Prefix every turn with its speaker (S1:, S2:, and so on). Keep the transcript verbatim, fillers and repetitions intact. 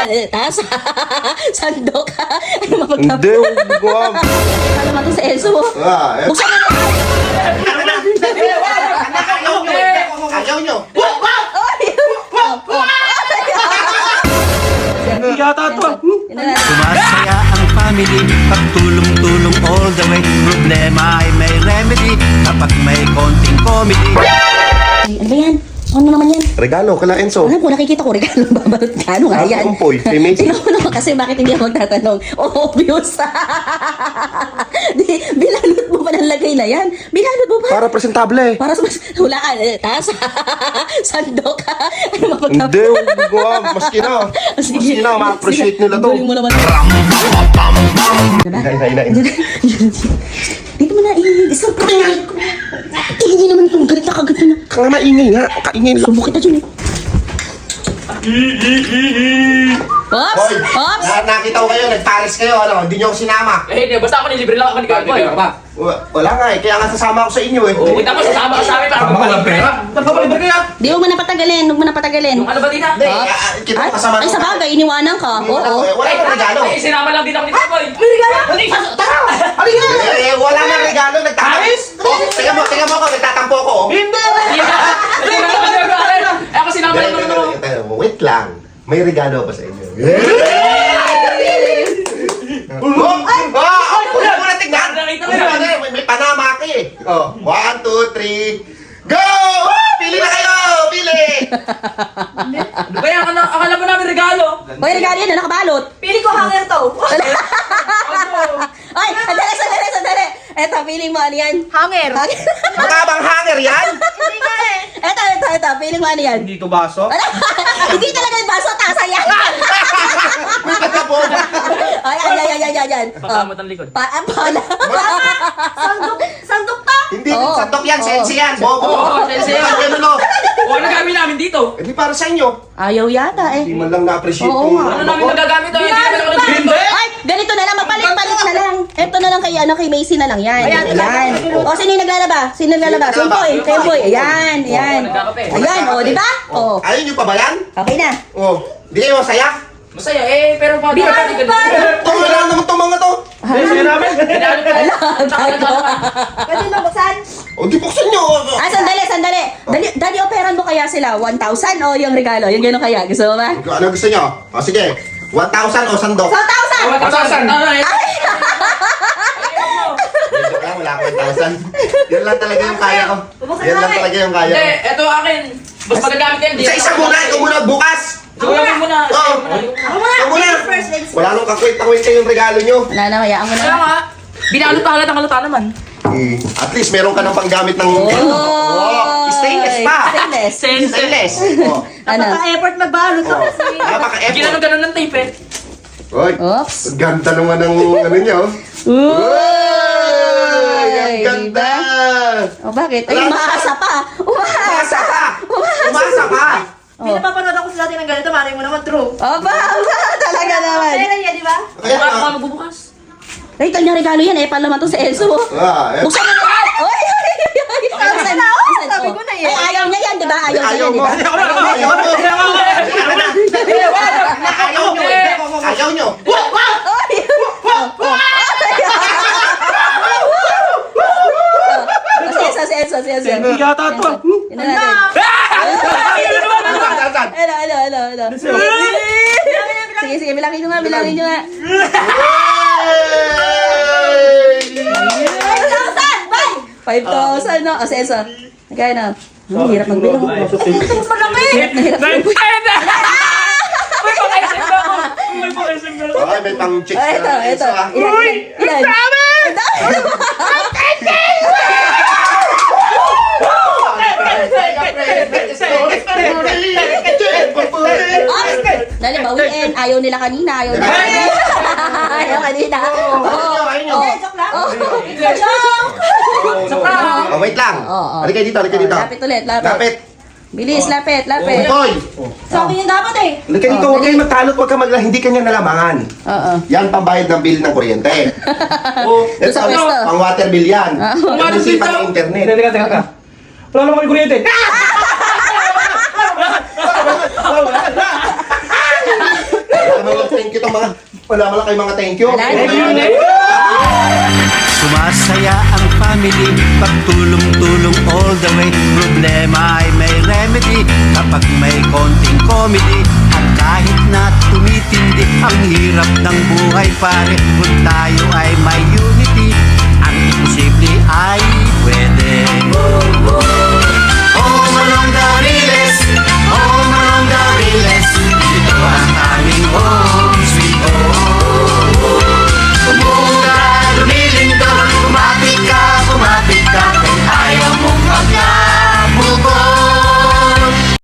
S1: taas. Sandok. Ano mapagtapos?
S2: Hindi, huwag ko.
S1: Ano naman to sa Elso mo?
S2: Ah, eh.
S1: Buksan mo na.
S2: Ayaw nyo.
S3: Yata to.
S4: Sumasaya ang family, pagtulong-tulong all the way. Problema ay may remedy, kapag may konting comedy.
S1: Ay, ano ba yan? Ano naman yan?
S2: Regalo, kala Enzo.
S1: Alam ko, nakikita ko regalo babalot ka. Ano nga
S2: Ah,
S1: yan?
S2: kumpoy, kay Macy.
S1: Tingnan mo naman kasi bakit hindi ako magtatanong. Oh, obvious. Di, bilalot mo pa ng lagay na yan. Bilalot mo pa.
S2: Para presentable.
S1: Para sa mas hulaan. Eh, taas. Sandok. Ano mapagtapos?
S2: Hindi, huwag ko. Maski na. Maski na, ma-appreciate nila to.
S1: Galing mo naman.
S2: Hinay, hinay, hinay.
S1: Dito mo na, isang pangay ko. Hindi naman itong galit na kagat na.
S2: Kaya maingay nga. Kaingay lang.
S1: Subo kita dyan eh. Ops!
S2: Hoy,
S1: Ops!
S2: na- nakita ko kayo, nag-Paris kayo, ano, hindi nyo ako sinama.
S3: Eh, hindi. Basta ako nilibre lang ako ni Gagoy.
S2: Wa- Wala nga eh, kaya nga sasama ako sa inyo eh.
S3: Oo, kita mo, sasama ka sa amin para magpapalit pera. Magpapalit kaya?
S1: Di mo na patagalin, huwag mo na patagalin.
S3: Yung ano ba din ha?
S2: Hindi, ah, ah, kita
S1: Ay,
S2: ko kasama
S1: ay,
S2: ko.
S1: sa bagay, iniwanan ka.
S2: Wala
S1: Oo.
S2: ko eh, wala akong regalo.
S3: Ay, sinama lang din ako ni Gagoy.
S1: May regalo?
S3: Tara!
S2: Eh, eh, wala nang regalo, nagtatampo. Oh, tingnan mo, tingnan mo ako, nagtatampo ako. oh.
S3: Hindi! Hindi na ako nagagalit. Eh, ako sinama lang naman ako.
S2: Eh, eh, eh, Wait lang, may regalo ba sa inyo? Oh, ay! Ah, wala mo na tignan!
S3: Nakita mo
S2: Wala
S3: yan.
S2: na, May, may panama ka eh. Oh, one, two, three, go! Pili na kayo! Pili!
S3: Ano ba yan? Akala- Akala mo namin regalo.
S1: Hoy, regalo yan, na nakabalot.
S5: Pili ko hanger to.
S1: Ay, sandali, sandali, sandali. Eto, feeling mo ano yan?
S5: Hanger.
S2: Mukha bang hanger yan?
S5: Hindi nga eh.
S1: Eto, eto, eto, feeling mo ano yan?
S3: Hindi to baso.
S1: Ano? Hindi talaga yung baso, tasa yan.
S2: May pagkabo.
S1: Ay, ay, ay, ay, ay, ay, ay.
S3: Pakamot ang likod.
S1: Pa, ah, pala.
S5: Sandok. Sandok ta.
S2: Hindi,
S1: Oo.
S2: sandok yan, sensi yan, bobo.
S3: Oo, sensi yan.
S2: Ano, no?
S3: O, ano gagawin namin dito?
S2: Hindi para sa inyo.
S1: Ayaw yata eh.
S2: Hindi man lang na-appreciate
S1: Oo
S2: kung
S1: nga.
S3: Ano namin magagamit? Hindi namin ako nagpinto.
S1: Ay, ganito na lang, magpalit-palit na lang. Eto na lang kay, ano, kay Macy na lang yan.
S5: Ayan,
S1: Ayan. O, sino yung naglalaba? Sino yung naglalaba?
S2: Sino
S1: Tempoy,
S2: naglalaba?
S1: Tempoy. Ayan, ayan.
S3: nagkakape.
S1: Ayan, o, di ba? O,
S2: Ayaw nyo pa ba yan?
S1: okay na.
S2: Oh, di kayo masaya?
S3: Masaya eh, pero pa
S5: Binalo pa.
S2: Ito, wala naman itong mga to.
S3: Masaya namin. Binalo pa.
S5: Pwede ba buksan?
S2: O, di buksan nyo.
S1: Ah, sandali, sandali. Dali, dali, operan mo kaya sila? one thousand o yung regalo? Yung gano'n kaya? Gusto mo ba?
S2: Ano gusto nyo? O, sige. one thousand o sandok?
S1: one thousand!
S3: Matasan.
S2: Joke lang, wala akong one thousand. Yan lang talaga yung kaya ko. Yan lang talaga yung kaya
S3: Hindi,
S2: ko.
S3: eto akin. Mas magagamit yan.
S2: Isa-isa muna, ito muna, bukas.
S3: Siguro mo muna.
S2: Oo.
S5: Ako muna.
S2: Ito muna.
S5: First legs.
S2: Wala nung kakwit-kakwit kayong regalo nyo.
S1: Wala na, hayaan mo na.
S3: Kaya nga, binalot pa halatang halata naman.
S2: Eh, at least meron ka ng panggamit ng...
S1: Oh!
S2: Oh, stainless pa.
S1: Stainless.
S3: Sense.
S2: Stainless. Oh.
S1: Ano?
S5: Napaka-effort magbalot to
S2: Oh.
S5: kasi.
S2: Napaka-effort.
S3: Ginanong ganun ng tape eh.
S2: Oy,
S1: Oops.
S2: ganda naman ng ano nyo. Uy! Ang ganda!
S1: O, bakit? Ay, umaasa pa. Umaasa.
S2: Umasa pa! Umasa pa!
S5: Hindi napapanood ako sa dati ng ganito. Mari mo naman true.
S1: Aba, aba, talaga naman.
S5: Kaya niya, di ba?
S2: Kaya
S3: Bukas
S2: nga.
S3: ako magbubukas.
S1: Ay, kanyang regalo yan eh. Paano naman to sa Elso?
S2: Ah, eh.
S1: Buksan mo na. Oy, oy, oy, oy. Buksan,
S5: na, oh.
S1: buksan.
S5: Sabi ko na eh.
S1: Ay, ayaw niya yan, di ba? Ayaw niya
S2: Ayaw
S1: yan, di
S2: mo.
S1: ba?
S2: Ayaw mo. Ayaw mo. Ayaw nyo. Ayaw nyo.
S1: Oy! Si Elso, si Elso, si Elso.
S3: Yata to.
S1: Yun na natin. Ano, ano, ano, ano. Sige, sige, bilangin nyo nga, bilangin nyo nga. five thousand, no? O, si Elso. Nagkaya na. Ang hirap magbilang. Hirap na hirap.
S3: May pang-isip na ako. May pang-isip na ako.
S2: Ay, may pang-chicks
S1: Ay, ito,
S2: ka na.
S1: ito.
S2: ah.
S1: Ilan, ilan? Ang dami! Dali, bawiin. Ayaw nila kanina. Ayaw nila kanina. Ayaw kanina.
S2: Ayaw, ayaw.
S1: Oh.
S5: Joke lang.
S1: Oh.
S2: Oh, wait lang.
S1: Oo, oo.
S2: Halika dito, halika dito.
S1: Lapit ulit, lapit.
S2: Lapit.
S1: Bilis, lapit, lapit.
S2: Hoy!
S5: Sabi niya dapat eh.
S2: Halika dito, huwag kayong magtalot, huwag kang magla, hindi kanya nalamangan.
S1: Oo.
S2: Yan pambayad ng bill ng kuryente.
S3: Oh.
S2: Ito,
S1: sa pwesto.
S2: pang water bill yan.
S3: Water
S2: Ito
S3: bill
S2: pang
S3: daw.
S2: internet.
S3: Teka, teka, teka. Wala naman yung kuryente.
S2: Wala thank you tong mga, wala wala kayo mga thank you.
S1: Wala.
S4: Sumasaya ang family, pagtulong-tulong all the way. Problema ay may remedy kapag may konting comedy. At kahit na tumitindi ang hirap ng buhay pare, kung tayo ay may